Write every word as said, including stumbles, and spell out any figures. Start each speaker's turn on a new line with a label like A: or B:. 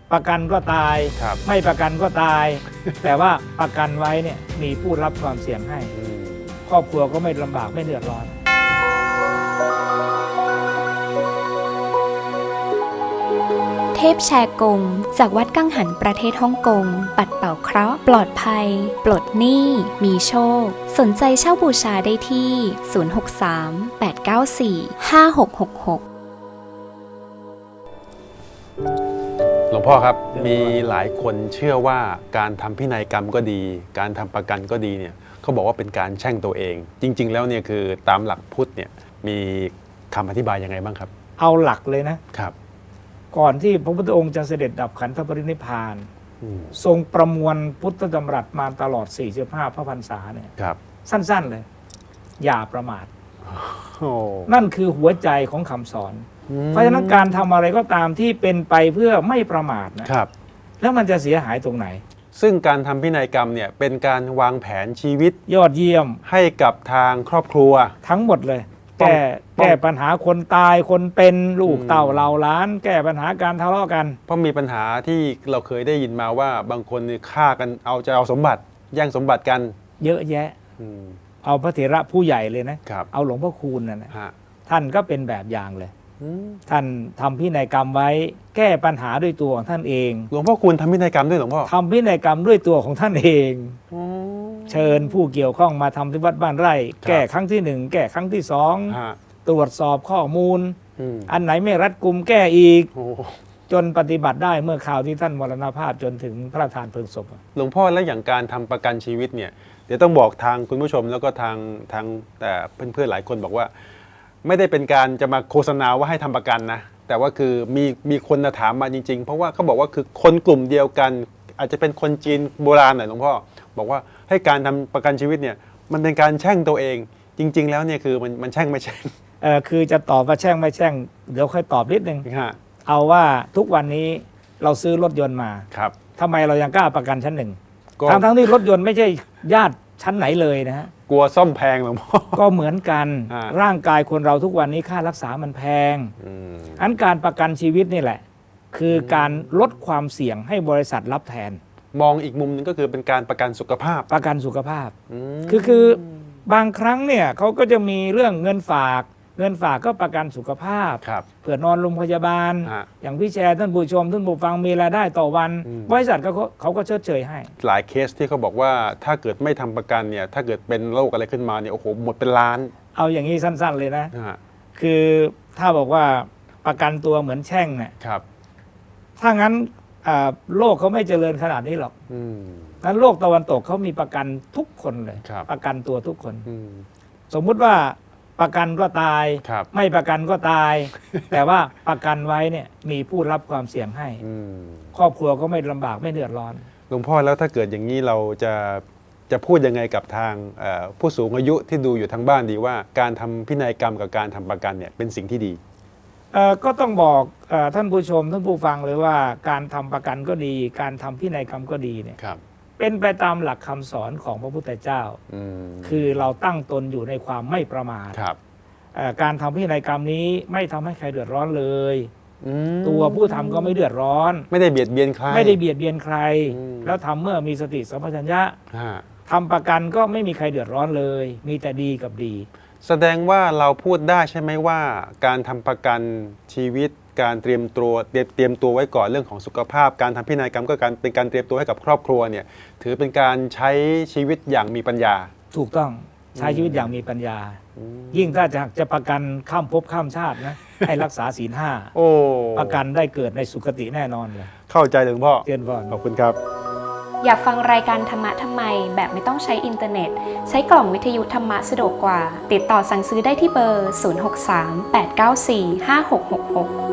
A: ประกันก็ตายไม่ประกันก็ตาย แต่ว่าประกันไว้เนี่ยมีผู้รับความเสี่ยงให้ครอบครัวก็ไม่ลำบากไม่เดือดร้อน
B: เทพแชกงจากวัดกังหันประเทศฮ่องกงปัดเป่าเคราะห์ปลอดภัยปลดหนี้มีโชคสนใจเช่าบูชาได้ที่ศูนย์ หก สาม แปด เก้า สี่ ห้า หก หก หก
C: หลวงพ่อครับมีหลายคนเชื่อว่าการทำพินัยกรรมก็ดี การทำประกันก็ดีเนี่ยเขาบอกว่าเป็นการแช่งตัวเองจริงๆแล้วเนี่ยคือตามหลักพุทธเนี่ยมีคำอธิบายยังไงบ้างครับ
A: เอาหลักเลยนะครับก่อนที่พระพุทธองค์จะเสด็จดับขันธปรินิพพานทรงประมวลพุทธดำรัสมาตลอดสี่สิบห้าพระพรรษาเนี่ยสั้นๆเลยอย่าประมาทนั่นคือหัวใจของคำสอนเพราะฉะนั้นการทำอะไรก็ตามที่เป็นไปเพื่อไม่ประมาทนะครับแล้วมันจะเสียหายตรงไหน
C: ซึ่งการทำพินัยกรรมเนี่ยเป็นการวางแผนชีวิต
A: ยอดเยี่ยม
C: ให้กับทางครอบครัว
A: ทั้งหมดเลยแก้แก้ปัญหาคนตายคนเป็นลูกเต่าเหล่าล้านแก้ปัญหาการทะเลาะกัน
C: เพราะมีปัญหาที่เราเคยได้ยินมาว่าบางคนฆ่ากันเอาจะเอาสมบัติแย่งสมบัติกัน
A: เยอะแยะเอาพระเถระผู้ใหญ่เลยนะเอาหลวงพ่อคูณนั่นนะท่านก็เป็นแบบอย่างเลยท่านทำพินัยกรรมไว้แก้ปัญหาด้วยตัวของท่านเอง
C: หลวงพ่อคูณทำพินัยกรรมด้วยหลวงพ่อ
A: ทำพินัยกรรมด้วยตัวของท่านเองเชิญผู้เกี่ยวข้องมาทำที่วัดบ้านไร่แก้ครั้งที่หนึ่งแก้ครั้งที่สองตรวจสอบข้อมูลอันไหนไม่รัดกุมแก้อีกจนปฏิบัติได้เมื่อข่าวที่ท่านมรณภาพจนถึงพระราชทานเพลิงศพ
C: หลวงพ่อแล้วอย่างการทำประกันชีวิตเนี่ยเดี๋ยวต้องบอกทางคุณผู้ชมแล้วก็ทางทางแต่เพื่อนๆหลายคนบอกว่าไม่ได้เป็นการจะมาโฆษณาว่าให้ทำประกันนะแต่ว่าคือมีมีคนถามมาจริงๆเพราะว่าเขาบอกว่าคือคนกลุ่มเดียวกันอาจจะเป็นคนจีนโบราณหน่อยหลวงพ่อบอกว่าให้การทำประกันชีวิตเนี่ยมันเป็นการแช่งตัวเองจริงๆแล้วเนี่ยคือมันมันแช่งไม่แช่ง
A: เออคือจะตอบว่าแช่งไม่แช่งเดี๋ยวค่อยตอบนิดนึงเอาว่าทุกวันนี้เราซื้อรถยนต์มา
C: ครับ
A: ทำไมเรายังกล้าประกันชั้นหนึ่งทั้งทั้งที่รถยนต์ไม่ใช่ญาติชั้นไหนเลยนะฮะ
C: กลัวซ่อมแพงหลวงพ่อ
A: ก็เหมือนกันร่างกายคนเราทุกวันนี้ค่ารักษามันแพงอันการประกันชีวิตนี่แหละคือการลดความเสี่ยงให้บริษัทรับแทน
C: มองอีกมุมนึงก็คือเป็นการประกันสุขภาพ
A: ประกันสุขภาพคือคือบางครั้งเนี่ยเขาก็จะมีเรื่องเงินฝากเงินฝากก็ประกันสุขภาพเผื่อนอนโรงพยาบาลอย่างพี่แชร์ท่านผู้ชมท่านผู้ฟังมีรายได้ต่อวันบริษัทก็เขาก็เชิดเชยให้
C: หลายเคสที่เขาบอกว่าถ้าเกิดไม่ทำประกันเนี่ยถ้าเกิดเป็นโรคอะไรขึ้นมาเนี่ยโอ้โหหมดเป็นล้าน
A: เอาอย่างนี้สั้นๆเลยนะคือถ้าบอกว่าประกันตัวเหมือนแช่งเนี่ยถ้างั้นโลกเขาไม่เจริญขนาดนี้หรอกนั้นโลกตะวันตกเขามีประกันทุกคนเลยประกันตัวทุกคนสมมุติว่าประกันก็ตายไม่ประกันก็ตาย แต่ว่าประกันไว้เนี่ยมีผู้รับความเสี่ยงให้ครอบครัวก็ไม่ลำบากไม่เดือดร้อน
C: หลวงพ่อแล้วถ้าเกิดอย่างนี้เราจะจะพูดยังไงกับทางผู้สูงอายุที่ดูอยู่ทางบ้านดีว่าการทำพินัยกรรมกับการทำประกันเนี่ยเป็นสิ่งที่ดี
A: ก็ต้องบอกท่านผู้ชมท่านผู้ฟังเลยว่าการทำประกันก็ดีการทำพินัยกรรมก็ดีเนี่ยเป็นไปตามหลักคำสอนของพระพุทธเจ้าคือเราตั้งตนอยู่ในความไม่ประมาทการทำพินัยกรรมนี้ไม่ทำให้ใครเดือดร้อนเลยตัวผู้ทำก็ไม่เดือดร้อน
C: ไม่ได้เบียดเบียนใคร
A: ไม่ได้เบียดเบียนใครแล้วทำเมื่อมีสติสัมปชัญญะทำประกันก็ไม่มีใครเดือดร้อนเลยมีแต่ดีกับดี
C: แสดงว่าเราพูดได้ใช่ไหมว่าการทำประกันชีวิตการเตรียมตัวเตรียมตัวไว้ก่อนเรื่องของสุขภาพการทำพินัยกรรมก็การเป็นการเตรียมตัวให้กับครอบครัวเนี่ยถือเป็นการใช้ชีวิตอย่างมีปัญญา
A: ถูกต้องใช้ชีวิตอย่างมีปัญญายิ่งถ้าจะจะประกันข้ามภพข้ามชาตินะให้รักษาศีลห้าประกันได้เกิดในสุคติแน่นอนเลย
C: เข้าใจหลวงพ่อ
A: เรียนพ่อ
C: ขอบคุณครับ
B: อยากฟังรายการธรรมะทำไมแบบไม่ต้องใช้อินเทอร์เน็ตใช้กล่องวิทยุธรรมะสะดวกกว่าติดต่อสั่งซื้อได้ที่เบอร์ศูนย์ หก สาม แปด เก้า สี่ ห้า หก หก หก